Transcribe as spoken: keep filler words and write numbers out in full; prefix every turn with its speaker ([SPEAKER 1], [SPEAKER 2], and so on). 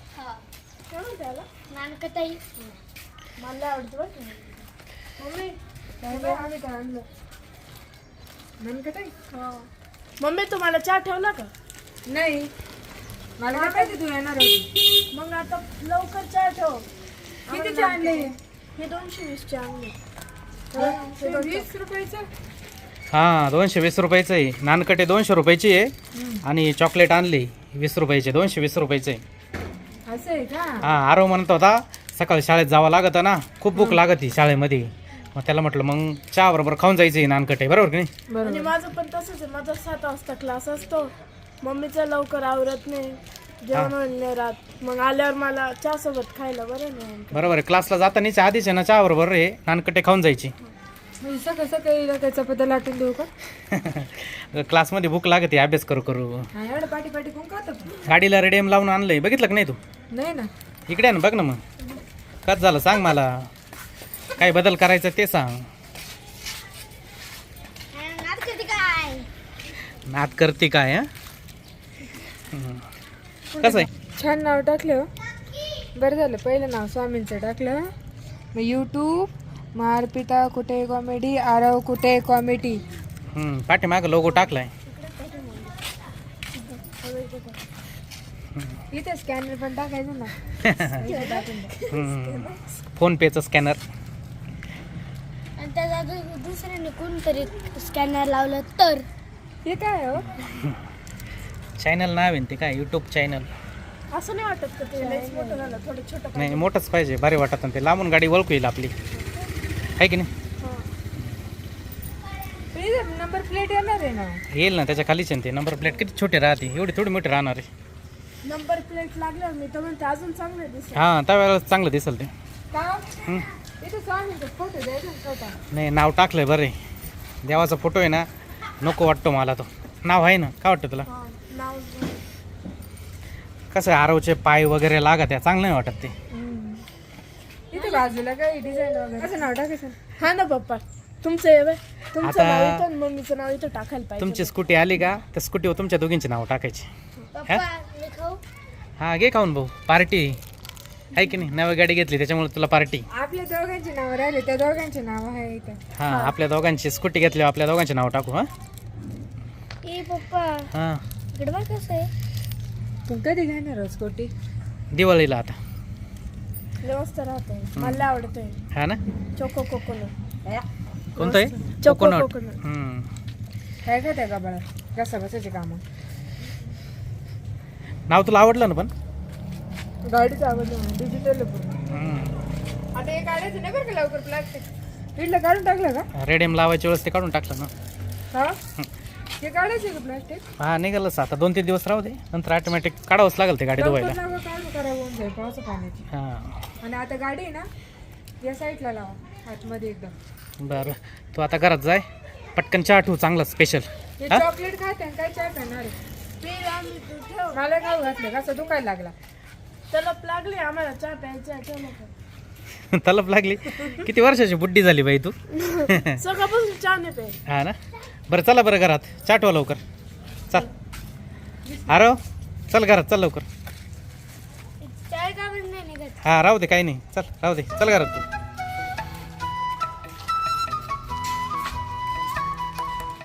[SPEAKER 1] काय म्हणते याला? नानकटाई. मला आवडतं बरं का. मम्मी काय आम्ही काय आणलं? नानकटाई. हो. मम्मी तुम्हाला चहा ठेवला का?
[SPEAKER 2] नाही, मला काय माहिती तू येणार होती.
[SPEAKER 1] मग आता लवकर चहा ठेव.
[SPEAKER 2] कितीचे आणले?
[SPEAKER 1] हे दोनशे वीसचे आणले.
[SPEAKER 2] वीस रुपयाचं.
[SPEAKER 3] हा दोनशे वीस रुपयाचं आहे. नानकटे दोनशे रुपयाची आहे आणि चॉकलेट आणली वीस रुपयाचे. दोनशे वीस रुपयाचे
[SPEAKER 2] असं आहे का?
[SPEAKER 3] हा. आरव म्हणत होता सकाळी शाळेत जावं लागत ना, खूप भूक लागत शाळेमध्ये. मग त्याला म्हटलं मग चहा बरोबर खाऊन जायचं नानकटे, बरोबर की नाही?
[SPEAKER 1] आणि माझं पण तसंच आहे. माझा सात वाजता क्लास असतो. मम्मीचा लवकर आवरत नाही, जेवण नाही राहत. मग आल्यावर मला चहा सोबत खायला बरं नाही.
[SPEAKER 3] बरोबर आहे. क्लासला जातानीच आधीच आहे ना चहा बरोबर हे नानकटे खाऊन जायची.
[SPEAKER 2] म्हणजे सकाळ सकाळी त्याचा पत्ता लाटून देऊ का?
[SPEAKER 3] क्लासमध्ये भूक लागते अभ्यास करू करू.
[SPEAKER 2] हा, एवढं पाठी पाठी कोण खातं?
[SPEAKER 3] गाडीला रेडियम लावून आणलंय, बघितलं का नाही तू?
[SPEAKER 2] नाही ना.
[SPEAKER 3] इकडे आहे ना, बघ ना. मग कच झालं सांग मला, काय बदल करायचा ते सांग. नाद करते काय? हा कसं आहे?
[SPEAKER 2] छान नाव टाकलं. बरं झालं, पहिलं नाव स्वामींचं टाकलं. मग यूट्यूब मग अर्पिता कुठे कॉमेडी, आरव कुठे कॉमेडी.
[SPEAKER 3] हम्म, पाठीमागं लोगो टाकलाय.
[SPEAKER 2] इथे स्कॅनर पण टाकायचं ना.
[SPEAKER 3] हम्म, फोन पेचं स्कॅनर.
[SPEAKER 1] आणि त्याचा दुसऱ्याने कोणतरी स्कॅनर लावलं तर
[SPEAKER 2] हे काय हो?
[SPEAKER 3] चॅनल नाव आहे ते काय, यूट्यूब चॅनल.
[SPEAKER 1] असं नाही वाटत का ते लयच मोठं झालं, थोडं छोटं
[SPEAKER 3] नाही, मोठंच पाहिजे, भारी वाटत ते. लांबून गाडी ओळखू येईल आपली, आहे की नाही?
[SPEAKER 2] नंबर प्लेट येणार आहे ना?
[SPEAKER 3] येईल ना, त्याच्या खालीच आहे ते. नंबर प्लेट किती छोटे राहते, एवढी थोडी मोठी राहणार आहे.
[SPEAKER 1] नंबर प्लेट लागल्यावर मी तर म्हणते अजून चांगलं दिसत.
[SPEAKER 3] हां, त्यावेळेला चांगलं दिसेल ते.
[SPEAKER 2] का?
[SPEAKER 3] हम्म.
[SPEAKER 2] इथे स्वामींचा फोटो द्यायचा होता.
[SPEAKER 3] नाही, नाव टाकलंय बरं आहे. देवाचा फोटो आहे ना, नको वाटतो मला तो. नाव आहे ना, काय वाटतं तुला?
[SPEAKER 1] नाव
[SPEAKER 3] कसं आहे, आरवचे पाय वगैरे लागत आहे, चांगलं नाही वाटत ते.
[SPEAKER 2] इथे बाजूला काय डिझाईन वगैरे असं नाव टाकायचं.
[SPEAKER 1] हा ना पप्पा, तुमचं आहे बे. तुमचं
[SPEAKER 3] आता-
[SPEAKER 1] नाव इथं आणि मम्मीचं नाव इथं टाकायला पाहिजे.
[SPEAKER 3] तुमची स्कूटी आली का, त्या स्कूटीवर तुमच्या दोघींचे नाव टाकायचे.
[SPEAKER 1] पप्पा मी खाऊ?
[SPEAKER 3] हां, घे खाऊन भाऊ, पार्टी आहे की नाही? नवी गाडी घेतली त्याच्यामुळे तुला पार्टी.
[SPEAKER 2] आपल्या दोघांची नाव राहिले, त्या दोघांचे नाव आहे इथे.
[SPEAKER 3] हां, आपल्या दोघांची स्कूटी घेतली, आपल्या दोघांचे नाव टाकू. हां
[SPEAKER 1] ए पप्पा
[SPEAKER 3] हां,
[SPEAKER 1] इकडे बघ कसं आहे.
[SPEAKER 2] तू कधी घेणार हो स्कूटी?
[SPEAKER 3] दिवाळीला आता.
[SPEAKER 1] व्यवस्था राहते, मला आवडतंय.
[SPEAKER 3] हा ना,
[SPEAKER 1] चोको कोकोनट.
[SPEAKER 3] कोणतं आहे?
[SPEAKER 1] Choco
[SPEAKER 3] coconut.
[SPEAKER 1] कोकोनट.
[SPEAKER 3] हम्म.
[SPEAKER 2] काय खात्या का बाळा? कसा बसायचे कामं?
[SPEAKER 3] नाव तुला आवडलं ना पण?
[SPEAKER 2] गाडीचं आवडलं, डिजिटल पूर्ण.
[SPEAKER 3] हम्म.
[SPEAKER 2] आता हे काढायचं नाही बरं का लवकर, प्लास्टिक इडलं काढून टाकलं का?
[SPEAKER 3] रेडियम लावायच्या वेळेस ते काढून टाकलं ना.
[SPEAKER 2] हा, हे काढायचं का प्लास्टिक?
[SPEAKER 3] हा, निघालंच आता. दोन तीन दिवस राहू दे, नंतर ऑटोमॅटिक काढावंच लागेल ते गाडी धुवायला.
[SPEAKER 2] लवकर लावा, काढून करा होऊन जाईल पावसा पाण्याची.
[SPEAKER 3] हां,
[SPEAKER 2] आणि आता गाडी आहे ना, या साईडला लावा आतमध्ये एकदम.
[SPEAKER 3] बरं. तू आता घरात जाय, पटकन चहा ठेवू चांगला स्पेशल.
[SPEAKER 2] हे
[SPEAKER 3] हा?
[SPEAKER 2] चॉकलेट खाते आणि काय चहा करणार आहे? मला खाऊ घातलं कसं दुखायला लागला.
[SPEAKER 1] तलप लागली आम्हाला चहा प्यायचा. चला
[SPEAKER 3] तलप लागली. किती वर्षाची बुड्डी झाली बाई तू.
[SPEAKER 1] सकाळपासून चहा नाही प्यायला.
[SPEAKER 3] हा ना. बरं चला बरं घरात, चहा ठेवा लवकर. चल अरे चल घरात, चल लवकर.
[SPEAKER 1] चाय का बरं नाही निघत?
[SPEAKER 3] हा, राहू दे, काही नाही. चल राहू दे, चल घरात तू.